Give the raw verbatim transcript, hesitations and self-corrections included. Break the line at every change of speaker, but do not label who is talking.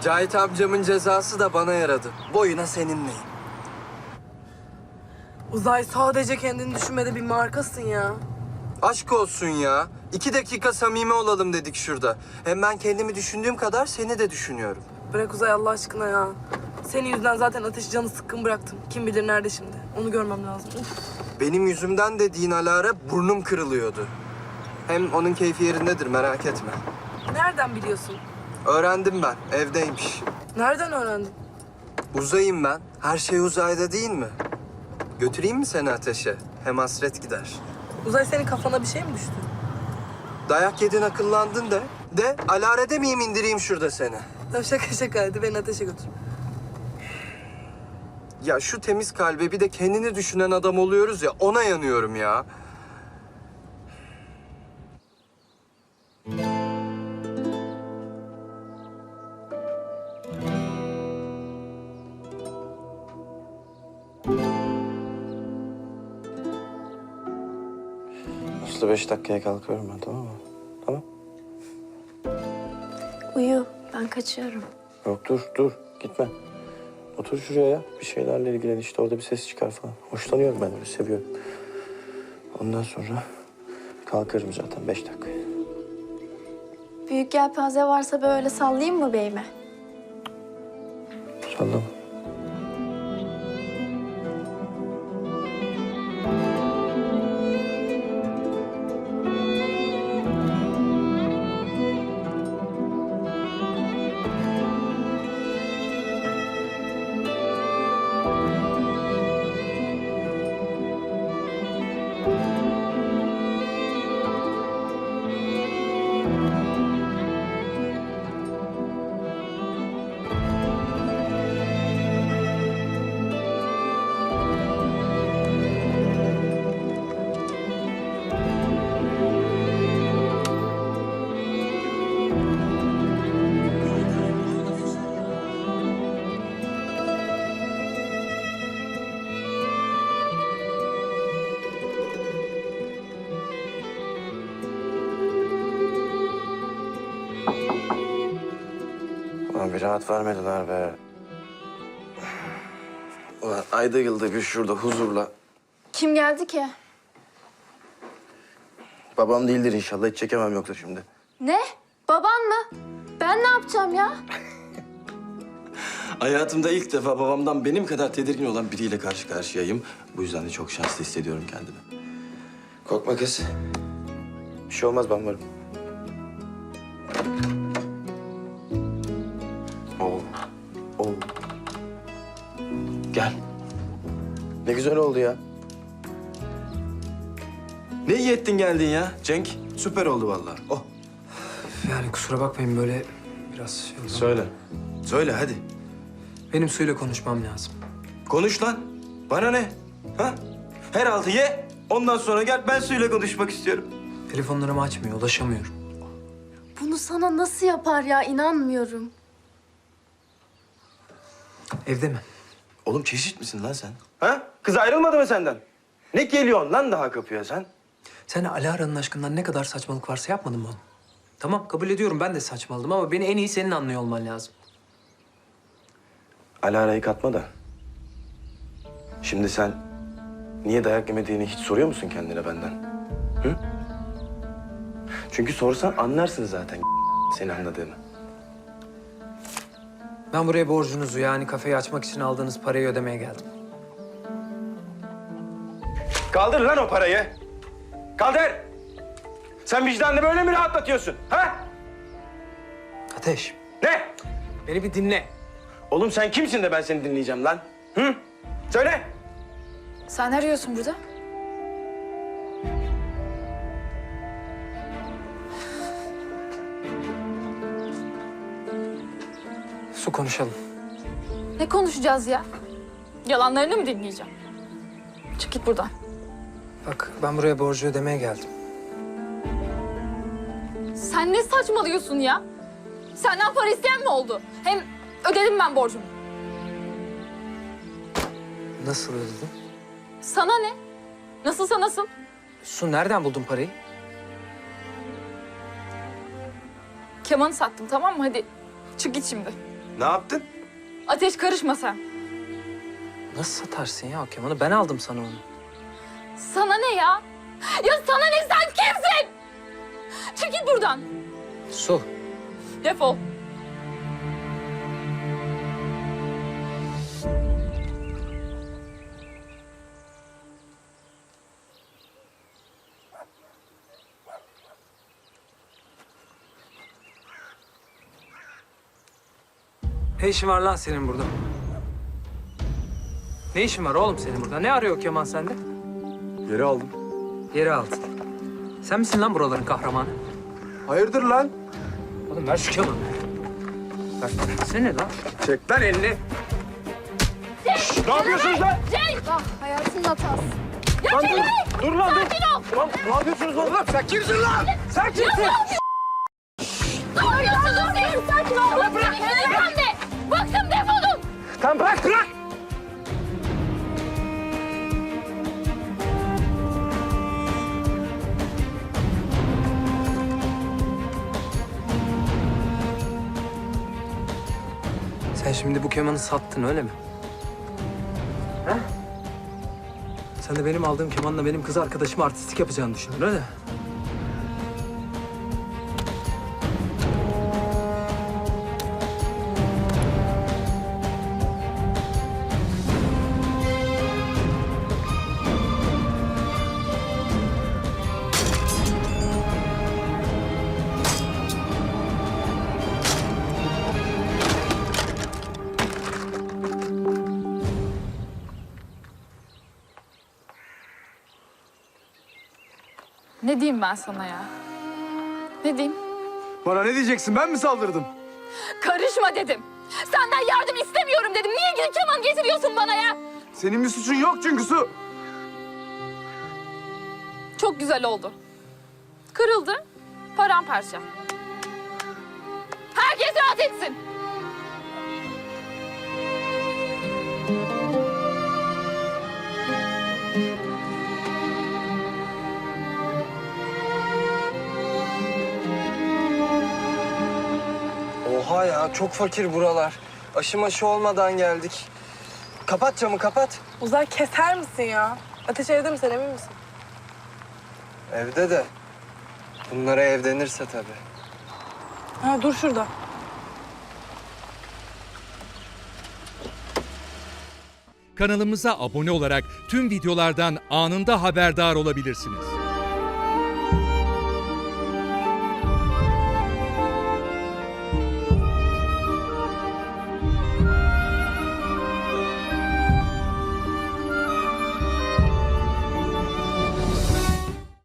Cahit amcamın cezası da bana yaradı. Boyuna seninleyim.
Uzay, sadece kendini düşünmede bir markasın ya.
Aşk olsun ya. İki dakika samimi olalım dedik şurada. Hem ben kendimi düşündüğüm kadar seni de düşünüyorum.
Bırak Uzay Allah aşkına ya. Senin yüzünden zaten Ateş'i canı sıkkın bıraktım. Kim bilir nerede şimdi. Onu görmem lazım. Uf.
Benim yüzümden dediğin Alara burnum kırılıyordu. Hem onun keyfi yerindedir, merak etme.
Nereden biliyorsun?
Öğrendim ben, evdeymiş.
Nereden öğrendin?
Uzayım ben. Her şey uzayda değil mi? Götüreyim mi seni Ateş'e? Hem hasret gider.
Uzay, senin kafana bir şey mi düştü?
Dayak yedin, akıllandın de. De, Alara demeyeyim, indireyim şurada seni.
Tamam, şaka şaka, hadi beni Ateş'e götür.
Ya şu temiz kalbe bir de kendini düşünen adam oluyoruz ya, ona yanıyorum ya.
Aslı beş dakikaya kalkıyorum ben, tamam mı? Tamam.
Uyu, ben kaçıyorum.
Yok dur, dur. Gitme. Otur şuraya ya. Bir şeylerle ilgilen işte. Orada bir ses çıkar falan. Hoşlanıyorum ben öyle, seviyorum. Ondan sonra kalkarım zaten beş dakika.
Büyük yelpaze varsa böyle sallayayım mı beyime?
Sallama. Ulan bir rahat vermediler be. Ulan ayda yılda bir şurada huzurla.
Kim geldi ki?
Babam değildir inşallah, hiç çekemem yoksa şimdi.
Ne? Baban mı? Ben ne yapacağım ya?
Hayatımda ilk defa babamdan benim kadar tedirgin olan biriyle karşı karşıyayım. Bu yüzden de çok şanslı hissediyorum kendimi. Korkma kız. Bir şey olmaz, ben varım. Oo. Oo. Gel. Ne güzel oldu ya. Ne iyi ettin geldin ya Cenk. Süper oldu vallahi. Oh.
Yani kusura bakmayın, böyle biraz şey oldu.
Söyle. Söyle hadi.
Benim suyla konuşmam lazım.
Konuş lan. Bana ne? Ha? Her altı ye. Ondan sonra gel, ben suyla konuşmak istiyorum.
Telefonlarımı açmıyor, ulaşamıyorum.
Bunu sana nasıl yapar ya? İnanmıyorum.
Evde mi?
Oğlum çeşit misin lan sen? Ha? Kız ayrılmadı mı senden? Ne geliyorsun lan daha kapıya sen?
Sen Alara'nın aşkından ne kadar saçmalık varsa yapmadın mı onu? Tamam, kabul ediyorum, ben de saçmaladım ama beni en iyi senin anlıyor olman lazım.
Alara'yı katma da. Şimdi sen niye dayak yemediğini hiç soruyor musun kendine benden? Hı? Çünkü sorsan anlarsın zaten seni anladığını.
Ben buraya borcunuzu, yani kafeyi açmak için aldığınız parayı ödemeye geldim.
Kaldır lan o parayı. Kaldır. Sen vicdanını böyle mi rahatlatıyorsun? Ha?
Ateş,
Ne?
beni bir dinle.
Oğlum sen kimsin de ben seni dinleyeceğim lan? Hı? Söyle.
Sen ne arıyorsun burada?
Su, konuşalım.
Ne konuşacağız ya? Yalanlarını mı dinleyeceğim? Çık git buradan.
Bak, ben buraya borcu ödemeye geldim.
Sen ne saçmalıyorsun ya? Senden para isteyen mi oldu? Hem ödedim ben borcumu.
Nasıl ödedin?
Sana ne? Nasılsa nasıl?
Su, nereden buldun parayı?
Kemanı sattım, tamam mı? Hadi çık git şimdi.
Ne yaptın?
Ateş karışma sen.
Nasıl satarsın ya o kemanı? Ben aldım sana onu.
Sana ne ya? Ya sana ne, sen kimsin? Çekil buradan.
Su.
Defol.
Ne işin var lan senin burada? Ne işin var oğlum senin burada? Ne arıyor o keman sende?
Geri aldım.
Yeri aldın. Sen misin lan buraların kahramanı?
Hayırdır lan?
Oğlum ver şu kemanı. Ver. Sen ne lan?
Çek lan elini. Ne yapıyorsunuz lan?
Ah, hayatının hatası.
Ya Celal!
Dur lan dur.
Sakin ol.
Lan ne yapıyorsunuz oğlum? Sen kimsin lan? Sen kimsin?
Ne yapıyorsunuz siz? Sakin ol. Bırak bırak. Bırak de. Bıktım, defolun.
Tamam bırak bırak.
Sen şimdi bu kemanı sattın öyle mi? He? Sen de benim aldığım kemanla benim kız arkadaşıma artistik yapacağını düşündün öyle mi?
Ne diyeyim ben sana ya? Ne diyeyim?
Bana ne diyeceksin? Ben mi saldırdım?
Karışma dedim. Senden yardım istemiyorum dedim. Niye gidip keman getiriyorsun bana ya?
Senin bir suçun yok çünkü Su.
Çok güzel oldu. Kırıldı, paramparça. Herkes rahat etsin.
Oha ya çok fakir buralar. Aşı maşı olmadan geldik. Kapat camı kapat.
Uzay keser misin ya? Ateş evde mi, sen emin misin?
Evde de. Bunlara ev denirse tabii.
Ha dur şurada.
Kanalımıza abone olarak tüm videolardan anında haberdar olabilirsiniz.